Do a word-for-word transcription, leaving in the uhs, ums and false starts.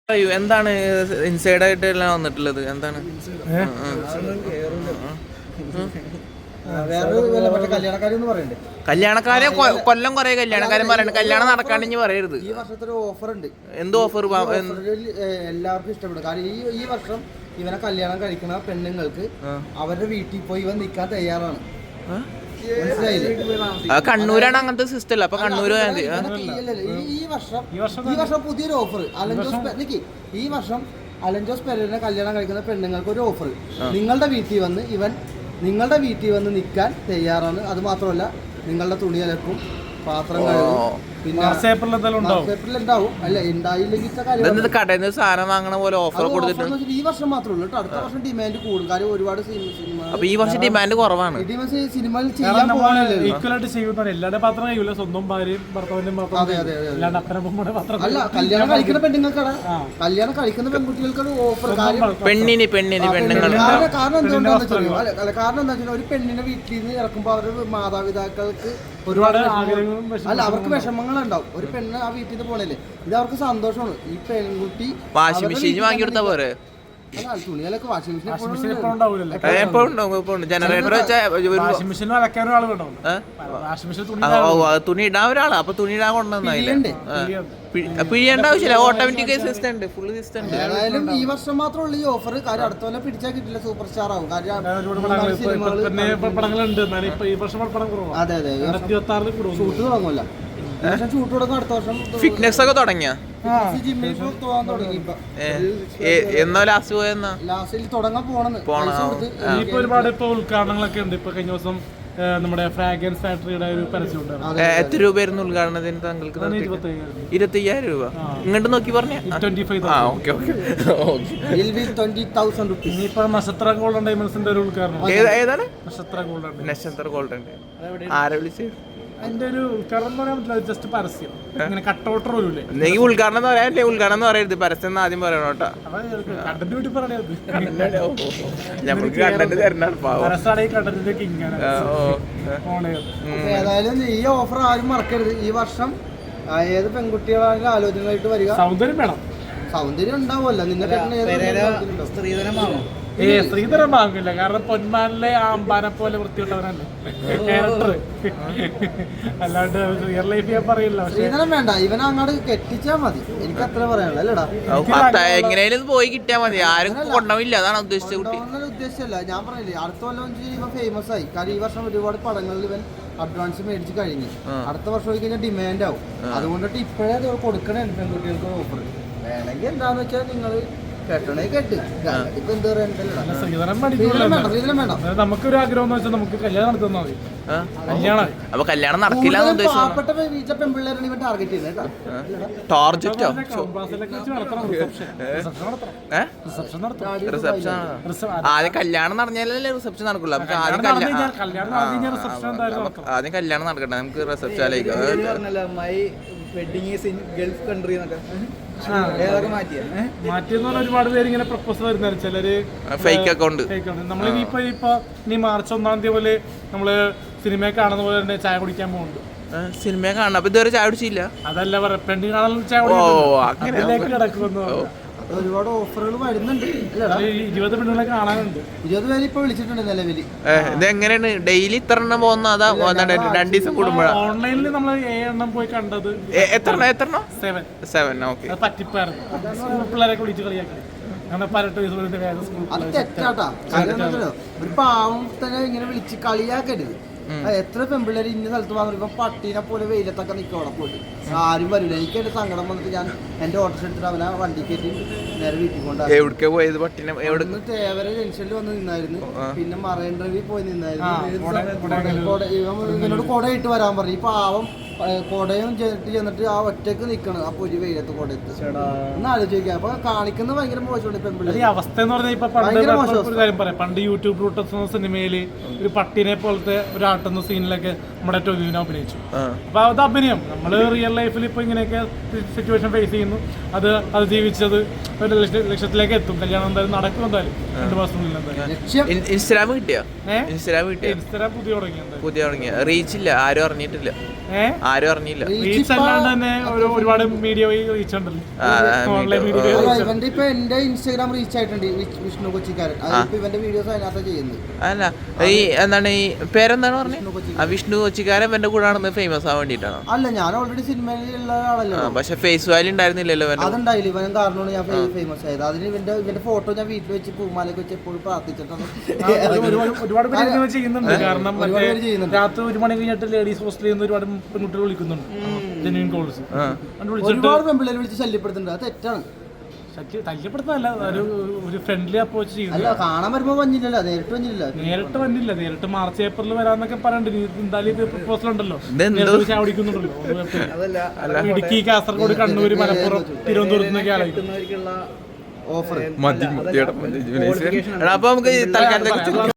എന്താണ് ഇൻസൈഡ് ആയിട്ട് എല്ലാം വന്നിട്ടുള്ളത്? എന്താണ് കല്യാണക്കാരെ കൊല്ലം കൊറേ കല്യാണക്കാരൻ പറയണ്ട, കല്യാണം നടക്കാണ്ട് പറയരുത്. ഈ വർഷത്തെ ഓഫർ ഉണ്ട്. എന്ത് ഓഫർ? എല്ലാവർക്കും ഇഷ്ടപ്പെടും. കാരണം ഈ ഈ വർഷം ഇവനെ കല്യാണം കഴിക്കുന്ന പെണ്ണുങ്ങൾക്ക് അവരുടെ വീട്ടിൽ പോയി ഇവൻ നിൽക്കാൻ തയ്യാറാണ്. കണ്ണൂരാണ് അങ്ങനത്തെ സിസ്റ്റം അല്ല. അപ്പൊ കണ്ണൂര് ഈ വർഷം ഈ വർഷം പുതിയൊരു ഓഫർ അലഞ്ചോസ് ഈ വർഷം അലഞ്ചോസ് പെരേരനെ കല്യാണം കഴിക്കുന്ന പെണ്ണുങ്ങൾക്ക് ഒരു ഓഫർ. നിങ്ങളുടെ വീട്ടിൽ വന്ന് ഇവൻ നിങ്ങളുടെ വീട്ടിൽ വന്ന് നിൽക്കാൻ തയ്യാറാണ്. അത് മാത്രമല്ല നിങ്ങളുടെ തുണി അലക്കും, പാത്രം കഴുകും, പിന്നെ ഉണ്ടാവും. അല്ല ഉണ്ടായില്ലെങ്കിൽ കടയിൽ നിന്ന് സാധനം വാങ്ങണ പോലെ ഓഫർ കൊടുത്തിട്ടുണ്ട്. ഈ വർഷം മാത്രമേ ഉള്ളൂ. അടുത്ത വർഷം ഡിമാൻഡ് കൂടും. കാര്യം ഒരുപാട് സിനിമ. അപ്പൊ ഈ വർഷം ഡിമാൻഡ് കുറവാണ്. സിനിമയിൽ ചെയ്യാൻ അല്ല കല്യാണം കഴിക്കുന്ന പെണ്ണുങ്ങൾക്കാണ് കല്യാണം കഴിക്കുന്ന പെൺകുട്ടികൾക്കാണ് ഓഫർ. പെണ്ണിന് പെണ്ണിന് പെണ്ണുങ്ങൾ കാരണം എന്തുകൊണ്ടാന്ന് വെച്ചാൽ അല്ല കാരണം എന്താ വെച്ചാൽ ഒരു പെണ്ണിനെ വീട്ടിൽ നിന്ന് ഇറക്കുമ്പോൾ അവരുടെ മാതാപിതാക്കൾക്ക് ഒരുപാട് അല്ല അവർക്ക് വിഷമങ്ങളുണ്ടാവും. ഒരു പെണ്ണ് ആ വീട്ടിൽ നിന്ന് പോണല്ലേ, ഇത് അവർക്ക് സന്തോഷമാണ്. ഈ പെൺകുട്ടി വാഷിംഗ് മെഷീൻ വാങ്ങി കൊടുത്താ പോരെ? തുണികളൊക്കെ വാഷിംഗ് മെഷീൻ ജനറേറ്റർ തുണി ഇടാൻ ഒരാളാ. അപ്പൊ തുണി ഇടാൻ കൊണ്ടുവന്നില്ലേ? പിഴിയേണ്ട ആവശ്യമില്ല, ഓട്ടോമാറ്റിക് സിസ്റ്റം ഉണ്ട്, ഫുൾ സിസ്റ്റം ഉണ്ട്. ഏതായാലും ഈ വർഷം മാത്രമുള്ള ഈ ഓഫർ. കാര്യം അടുത്ത കൊല്ലം പിടിച്ചാൽ കിട്ടില്ല, സൂപ്പർ സ്റ്റാർ ആവും. അതെ അതെ ഷൂട്ട് തുടങ്ങുമല്ല. ഷൂട്ട് തുടങ്ങും അടുത്ത വർഷം. ഫിറ്റ്നസ് ഒക്കെ തുടങ്ങിയ ജിമ്മിൽ പോകാൻ തുടങ്ങി. എന്നോ ലാസ്റ്റ് പോയെന്നാ ലാസ്റ്റിൽ തുടങ്ങാൻ പോണെന്ന് ഇപ്പൊ ഒരുപാട് ഇപ്പൊ ഉദ്ഘാടനങ്ങളൊക്കെ ഉണ്ട്. ഇപ്പൊ കഴിഞ്ഞ ദിവസം നമ്മുടെ ഫ്രാഗ്രൻസ് ഫാക്ടറിയുടെ ഒരു പരസ്യം. എത്ര രൂപയായിരുന്നു ഉദ്ഘാടനത്തിന് താങ്കൾക്ക്? ഇരുപത്തി അയ്യായിരം രൂപ. ഇങ്ങോട്ട് നോക്കി പറഞ്ഞ ഇനിയിപ്പോ നക്ഷത്ര ഗോൾഡൻ ഡയമണ്ട്സിന്റെ ഒരു ഉദ്ഘാടനം. ഏതാണ് നക്ഷത്ര ഗോൾഡൻ? നക്ഷത്ര ഗോൾഡൻ ആരെ വിളിച്ച്? അതിന്റെ ഒരു ഉദ്ഘാടനം എന്ന് പറയാൻ പറ്റില്ല, ജസ്റ്റ് പരസ്യം. ഇങ്ങനെ കട്ടൗട്ടർ പോലും നീ ഉദ്ഘാടനം എന്ന് പറയാല്ലേ? ഉദ്ഘാടനം എന്ന് പറയരുത്, പരസ്യം ആദ്യം പറയണം കേട്ടോ. കണ്ടന്റ് വീട്ടിൽ പറയണത് ഞമ്മൾക്ക് കണ്ടന്റ് തരണം. കണ്ടന്റിന്റെ കിങ്ങാണ്. ഏതായാലും ഈ ഓഫർ ആരും മറക്കരുത്. ഈ വർഷം ഏത് പെൺകുട്ടികളാണെങ്കിലും ആലോചനയായിട്ട് വരിക. സൗന്ദര്യം വേണം. സൗന്ദര്യം ഉണ്ടാവുമല്ലോ നിങ്ങൾക്ക്. സ്ത്രീധനം വാങ്ങും. ഏ ശ്രീധരൻ വാങ്ങില്ല, കാരണം പൊന്മാനിലെ ആ അമ്പാനെ പോലെ വൃത്തിയുള്ളവരല്ലേ ക്യാരക്ടർ. അല്ലാണ്ട് റിയൽ ലൈഫ് ഞാൻ പറയില്ല. ശ്രീധരൻ വേണ്ട, ഇവനെ അങ്ങോട്ട് കെട്ടിച്ചാ മതി. എനിക്ക് അത്ര പറയാനുള്ളൂ. അല്ലടാ എങ്ങനെയാലും പോയി കിട്ടിയാ മതി, ആരും കൊണ്ടുപോയില്ല. അതാണ് ഉദ്ദേശിച്ചത്. ഉദ്ദേശിച്ചല്ല, ഞാൻ പറഞ്ഞില്ലേ അടുത്ത കൊല്ലം ഇവൻ ഫേമസ് ആയി. കാരണം ഈ വർഷം ഒരുപാട് പടങ്ങളിൽ ഇവൻ അഡ്വാൻസ് മേടിച്ച് കഴിഞ്ഞു. അടുത്ത വർഷം പോയി കഴിഞ്ഞാൽ ഡിമാൻഡ് ആവും. അതുകൊണ്ടിട്ട് ഇപ്പോഴേ കൊടുക്കണേ പെൺകുട്ടികൾക്ക് ഓഫർ. വേണമെങ്കിൽ എന്താന്ന് വെച്ചാൽ നിങ്ങൾ നമുക്കൊരു ആഗ്രഹം എന്ന് വെച്ചാൽ നമുക്ക് കല്യാണം നടത്തുന്ന മതി. കല്യാണം അപ്പൊ കല്യാണം നടക്കില്ല. പാവപ്പെട്ട വീട്ടിലെ പെൺപിള്ളേരാണ് ഇവൻ ടാർഗറ്റ് ചെയ്യുന്നത്. ടാർഗറ്റോ? ആദ്യം കല്യാണം നടന്നാലല്ലേ റിസപ്ഷൻ നടക്കുള്ളൂ. നമുക്ക് ആദ്യം ആദ്യം കല്യാണം നടക്കട്ടെ, നമുക്ക് റിസപ്ഷനിലേക്ക്. Wedding is in gulf country എന്നൊക്കെ മാറ്റിയെന്ന് പറഞ്ഞാൽ ഒരുപാട് പേര് ഇങ്ങനെ പ്രപ്പോസൽ വരുന്നത്. ചിലര് ഫേക്ക് അക്കൗണ്ട്. നമ്മളിപ്പോ ഇപ്പൊ ഇനി മാർച്ച് ഒന്നാം തീയതി പോലെ നമ്മള് സിനിമയെ കാണുന്ന പോലെ തന്നെ ചായ കുടിക്കാൻ പോകുന്നുണ്ട്. സിനിമയെ കാണണം. അപ്പൊ ഇതുവരെ ചായ കുടിച്ചില്ല? അതല്ല പറയാ, പെണ്ണി കാണാൻ ചായ കുടിക്കാൻ കിടക്കുന്നു. ഒരുപാട് ഓഫറുകൾ വരുന്നുണ്ട്. ഇരുപത് പെണ്ണുകളെ കാണാനുണ്ട്. ഇരുപത് പേര് ഇപ്പൊ വിളിച്ചിട്ടുണ്ട് നിലവിൽ. ഇത് എങ്ങനെയാണ്? ഡെയിലി ഇത്ര എണ്ണം പോകുന്ന? അതാ രണ്ടു ദിവസം കൂടുമ്പോഴാണ് ഓൺലൈനിൽ നമ്മൾ ഏഴെണ്ണം പോയി കണ്ടത്. എത്ര എത്ര സെവൻ സെവൻ ഓക്കെ. പറ്റിപ്പായിരുന്നു. സ്കൂൾ പിള്ളേരൊക്കെ വിളിച്ച് കളിയാക്കി. അത് തെറ്റാട്ടാ. ഒരു പാവം തന്നെ ഇങ്ങനെ വിളിച്ച് കളിയാക്കരുത്. എത്ര പെൺപിള്ളേർ ഇന്ന സ്ഥലത്ത് വന്നു. ഇപ്പൊ പട്ടീനെ പോലെ വെയിലത്തൊക്കെ നിൽക്കും അവിടെ പോയിട്ട്. ആരും വരില്ല. എനിക്ക് എന്റെ സങ്കടം വന്നിട്ട് ഞാൻ എന്റെ ഓട്ടോ എടുത്തിട്ട് അവനെ വണ്ടി കയറ്റി നേരെ വീട്ടിൽ കൊണ്ടുപോയി. തേവര ജംഗ്ഷനിൽ വന്ന് നിന്നായിരുന്നു. പിന്നെ മറൈൻ ഡ്രൈവിൽ പോയി നിന്നായിരുന്നു. ഇവനോട് കൊട ഇട്ട് വരാൻ പറഞ്ഞു. ഈ പാവം കൊടയും ചേട്ടി ചെന്നിട്ട് ആ ഒറ്റക്ക് നിക്കണം. അപ്പൊ ഒരു വെയിലത്ത് കൊടയത്ത് ഒന്ന് ആലോചിക്കാം. അപ്പൊ കാണിക്കുന്നത് ഭയങ്കര മോശമാണ് പെൺപിള്ളേർ. അവസ്ഥ എന്ന് പറഞ്ഞാൽ ഇപ്പൊ പണ്ട് കാര്യം പറയാം. പണ്ട് യൂട്യൂബ് റൂട്ടസ് എന്ന സിനിമയില് ഒരു പട്ടിനെ പോലത്തെ ഒരു ആട്ടുന്ന സീനിലൊക്കെ നമ്മുടെ ടൊവിനോ അഭിനയിച്ചു. അപ്പൊ അത് അഭിനയം. നമ്മള് റിയൽ ലൈഫിൽ ഇപ്പൊ ഇങ്ങനെയൊക്കെ സിറ്റുവേഷൻ ഫേസ് ചെയ്യുന്നു. അത് അത് ജീവിച്ചത് ഒരു ലക്ഷ്യത്തിലേക്ക് എത്തും. കല്യാണം എന്തായാലും നടക്കും. എന്തായാലും രണ്ടു മാസത്തിനുള്ളിൽ എന്തായാലും. ഇൻസ്റ്റാഗ്രാം കിട്ടിയോ? ഇൻസ്റ്റാഗ്രാം കിട്ടിയോ? ഇൻസ്റ്റാഗ്രാം പുതിയ തുടങ്ങി. പുതിയ തുടങ്ങിയ റീച്ച് ഇല്ല, ആരും അറിഞ്ഞിട്ടില്ല. ഏഹ് ആരും അറിഞ്ഞില്ല. റീച്ച് അല്ലാണ്ട് തന്നെ ഒരു ഒരുപാട് മീഡിയ വഴി റീച്ച് ഉണ്ടല്ലോ, ഓൺലൈൻ മീഡിയ വഴി reach ഉണ്ട്. ഇവന്റെ ഇപ്പൊ എന്റെ ഇൻസ്റ്റാഗ്രാം റീച്ച് ആയിട്ടുണ്ട് വിഷ്ണു കൊച്ചിക്കാരൻ. അതിപ്പോ ഇവന്റെ വീഡിയോസ് അതിനകത്ത് ചെയ്യുന്നത്. അല്ല ഈ എന്താണ് ഈ പേരെന്താണ് പറഞ്ഞത്? ആ വിഷ്ണു കൊച്ചിക്കാരൻ എന്റെ കൂടെ ആണെന്ന് ഫേമസ് ആവാൻ വേണ്ടിട്ടാണോ? അല്ല, ഞാൻ ഓൾറെഡി സിനിമയിലുള്ള ആളല്ലോ. പക്ഷെ ഫേസ് വാല്യൂ ഉണ്ടായിരുന്നില്ലല്ലോ. അതുണ്ടായില്ല, ഇവനും കാരണമാണ് ഞാൻ ഫേമസ് ആയത്. അതിന് ഇവന്റെ ഇവന്റെ ഫോട്ടോ ഞാൻ വീട്ടിൽ വെച്ച് പൂമാലയൊക്കെ വെച്ച് എപ്പോഴും പ്രാർത്ഥിച്ചിട്ടാണ്. ഒരുപാട് പേര് ഇങ്ങനെ ചെയ്യുന്നുണ്ട്. കാരണം രാത്രി ഒരു മണി കഴിഞ്ഞിട്ട് ലേഡീസ് ഹോസ്റ്റലിൽ നിന്ന് ഒരുപാട് പെൺകുട്ടികൾ വിളിക്കുന്നുണ്ട്, ജെന്യൂൻ കോൾസ്. ഒരുപാട് പെൺപിള്ളേരെ വിളിച്ച് ശല്യപ്പെടുത്തുന്നുണ്ട്. അത് തെറ്റാണ്. ശല്യപ്പെടുത്താനല്ല, ഒരു ഒരു ഫ്രണ്ട്ലി അപ്രോച്ച് ചെയ്യുന്നു. അല്ല, കാണാൻ വരുമ്പോ വന്നില്ലല്ലോ, നേരിട്ട് വന്നില്ല. നേരിട്ട് വന്നില്ല, നേരിട്ട് മാർച്ച് ഏപ്രിൽ വരാന്നൊക്കെ പറയണ്ട്. എന്തായാലും പ്രപ്പോസൽ ഉണ്ടല്ലോ, ചാവടിക്കുന്നുണ്ടല്ലോ. ഇടുക്കി, കാസർഗോഡ്, കണ്ണൂർ, മലപ്പുറം, തിരുവനന്തപുരത്ത് നിന്നൊക്കെ ആലോചിക്കും ഓഫർ. അപ്പൊ നമുക്ക് തൽക്കാലത്തേക്ക്